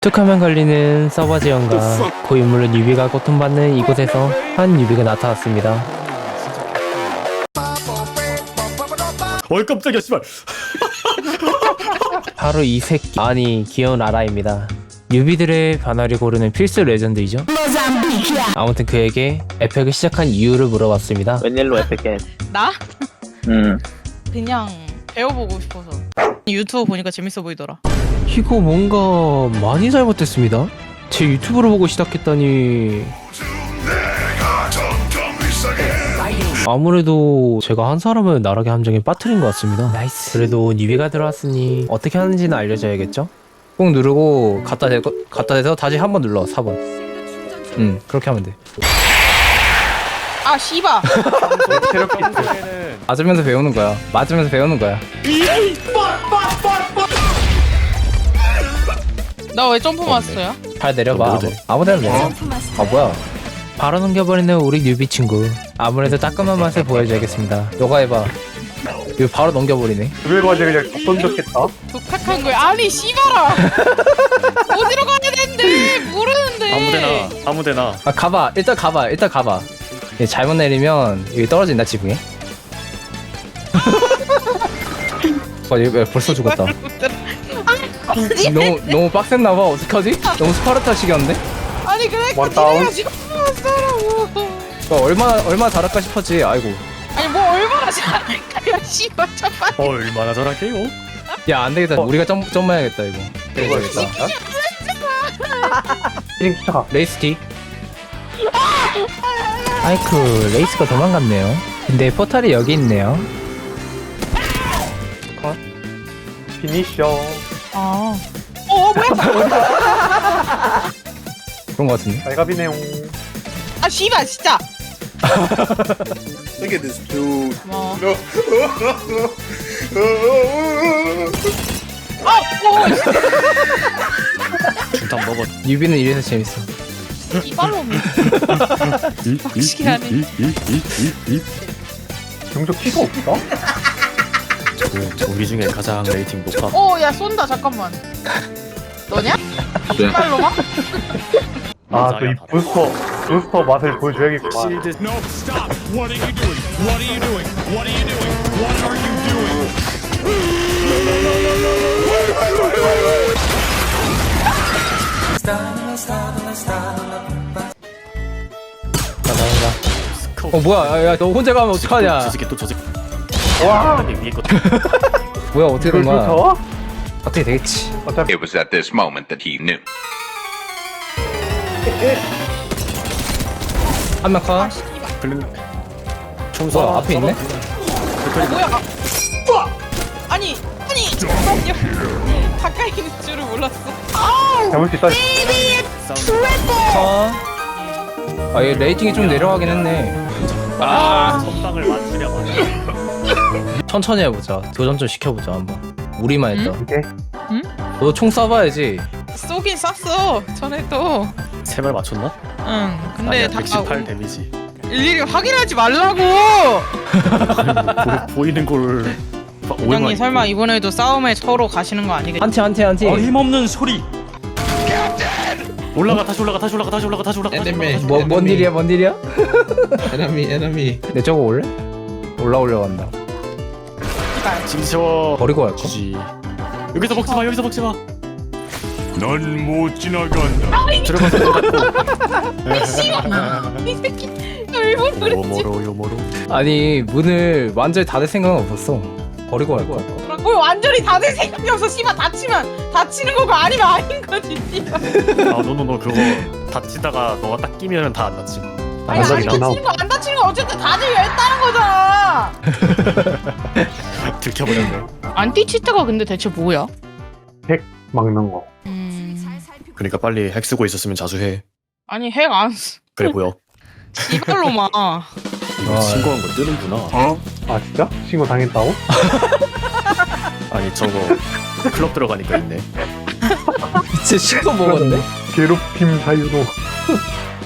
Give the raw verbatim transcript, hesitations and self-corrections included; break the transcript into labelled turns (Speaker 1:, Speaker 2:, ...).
Speaker 1: 툭하면 걸리는 서버 지원과 고인물로 뉴비가 고통받는 이곳에서 한 뉴비가 나타났습니다.
Speaker 2: 어이 깜짝이야 씨발.
Speaker 1: 바로 이 새끼, 아니 귀여운 라라입니다. 뉴비들의 변화를 고르는 필수 레전드이죠. 아무튼 그에게 에펙을 시작한 이유를 물어봤습니다.
Speaker 3: 웬일로 에펙해?
Speaker 4: 나?
Speaker 3: 음.
Speaker 4: 그냥 배워보고 싶어서 유튜브 보니까 재밌어 보이더라.
Speaker 1: 이거 뭔가 많이 잘못됐습니다. 제 유튜브를 보고 시작했다니. 아무래도 제가 한 사람을 나락의 함정에 빠뜨린 것 같습니다. 나이스. 그래도 뉴비가 들어왔으니 어떻게 하는지는 알려줘야겠죠? 꾹 누르고 갖다 대고 갖다 대서 다시 한 번 눌러. 사 번. 응, 그렇게 하면 돼.
Speaker 4: 아 씨바.
Speaker 1: 맞으면서 배우는 거야. 맞으면서 배우는 거야.
Speaker 4: 나 왜 점프 마스터야?
Speaker 1: 발 내려봐. 아무, 아무데나 내려. 아 뭐야? 바로 넘겨버리는 우리 뉴비 친구. 아무래도 따끔한 맛을 보여줘야겠습니다. 너가 해봐. 이거 바로 넘겨버리네.
Speaker 5: 왜 맞아 그냥 다 던졌겠다.
Speaker 4: 독특한 거야. 아니 씨바라. 어디로 가야 되는데 모르는데.
Speaker 2: 아무데나 아무데나.
Speaker 1: 아 가봐. 일단 가봐. 일단 가봐. 얘 잘못 내리면 여기 떨어진다 지붕에. 와, 얘 왜 벌써 죽었다.
Speaker 4: 아니,
Speaker 1: 너무 너무 빡셌나봐. 어떡하지? 너무 스파르타식이었는데?
Speaker 4: 아니 그래
Speaker 5: 원다운.
Speaker 4: 그래가지고 마스터라고.
Speaker 1: 어, 얼마나 얼마나 잘할까 싶었지. 아이고.
Speaker 4: 아니 뭐 얼마나 잘할까요? 씨발 잠깐.
Speaker 2: 어, 얼마나 잘할게요?
Speaker 1: 야 안 되겠다.
Speaker 5: 어.
Speaker 1: 우리가 점 점해야겠다 이거.
Speaker 5: 이거
Speaker 1: 되겠다.
Speaker 5: 힐링 쫓아가.
Speaker 1: 레이스 티. 아이쿠 레이스가 도망갔네요. 근데 포탈이 여기 있네요.
Speaker 5: 피니셔.
Speaker 4: 아. 어 뭐야?
Speaker 1: 그런 거 같은데.
Speaker 5: 발갑이네용.
Speaker 4: 아 씨발 진짜.
Speaker 6: Look at this dude.
Speaker 4: 뭐.
Speaker 6: No.
Speaker 4: 아, 오,
Speaker 2: 중탕 먹어.
Speaker 1: 뉴비는 이래서 재밌어.
Speaker 4: 이발로. 확실하네.
Speaker 5: 경적 키가 없어?
Speaker 2: 저 우리 중에 가장 레이팅 높아.
Speaker 4: 오, 야 쏜다 잠깐만. 너냐? 이발로만?
Speaker 5: 아, 또 이 부스터, 부스터 맛을 보여줘야겠구만.
Speaker 2: 실드.
Speaker 7: No, stop! What are you doing? What are you doing? What are you doing? What are you doing?
Speaker 1: 어 뭐야? 야 너 혼자 가면 어떡하냐?
Speaker 2: 저 새끼 또저 새끼.
Speaker 5: 와!
Speaker 2: 위에 거.
Speaker 1: 뭐야 어떻게 된
Speaker 5: 이걸
Speaker 1: 거야?
Speaker 5: 쫓아와?
Speaker 1: 어떻게 되겠지?
Speaker 5: 어차피
Speaker 8: It was at this moment that he knew.
Speaker 1: 한 명 컷.
Speaker 2: 블링. 총사
Speaker 1: 뭐야 앞에 있네?
Speaker 4: 뭐야? 아, 아니, 아니, 잠깐만요. 가까이 있는 줄을 몰랐어.
Speaker 5: 잡을 수 있다.
Speaker 1: 컷. 아얘 레이팅이 좀 내려가긴 했네. 아
Speaker 2: 선방을 맞추려고.
Speaker 1: 천천히 해보자. 도전 좀 시켜보자 한번. 우리만 했다.
Speaker 5: 오케이.
Speaker 1: 너 총 쏴봐야지.
Speaker 4: 쏘긴 쐈어. 전에도.
Speaker 2: 세 발 맞췄나?
Speaker 4: 응. 근데
Speaker 2: 아니야,
Speaker 4: 다
Speaker 2: 백십팔 데미지.
Speaker 4: 일일이 확인하지 말라고.
Speaker 2: 보, 보이는 걸.
Speaker 4: 부장님 설마 이번에도 싸움에 서로 가시는 거 아니겠지?
Speaker 1: 한티 한티 한티.
Speaker 2: 힘없는 소리. 올라가 다시 올라가 다시 올라가 다시 올라가 다시 올라가. 다시 올라가.
Speaker 1: 뭐, 뭔 일이야 뭔 일이야?
Speaker 6: Enemy, enemy.
Speaker 1: 내 저거 올래? 올라오려고 한다.
Speaker 2: 진짜
Speaker 1: 버리고 갈까?
Speaker 2: 주지. 여기서 먹지 마 여기서 먹지 마.
Speaker 7: 넌 못 지나간다.
Speaker 2: 들어가서
Speaker 4: 이 새끼 일본 그랬지?
Speaker 2: 요모로 요모로.
Speaker 1: 아니 문을 완전히 닫을 생각은 없었어. 버리고 갈까?
Speaker 4: 뭘 완전히 다들 생각이 없어. 씨발 다치면 다치는 거고 아니면 아닌 거지. 씨발.
Speaker 2: 아 너너너 그거 다치다가 너가 딱 끼면은 다 안 다치.
Speaker 4: 아니 안
Speaker 5: 다치긴
Speaker 4: 다치는 거 안 다치는 거 어쨌든 다들 했다는 거잖아.
Speaker 2: 들켜버렸네.
Speaker 4: 안티치트가 근데 대체 뭐야?
Speaker 5: 핵 막는 거.
Speaker 4: 음...
Speaker 2: 그러니까 빨리 핵 쓰고 있었으면 자수해.
Speaker 4: 아니 핵 안 쓰...
Speaker 2: 그래 보여.
Speaker 4: 이발로 막.
Speaker 2: 이거
Speaker 1: 아,
Speaker 2: 신고한 거 뜨는구나.
Speaker 5: 아, 진짜? 신고 당했다고?
Speaker 2: 아니 저거 클럽 들어가니까 있네.
Speaker 1: 진짜 신고 먹었네.
Speaker 5: 괴롭힘 사유로.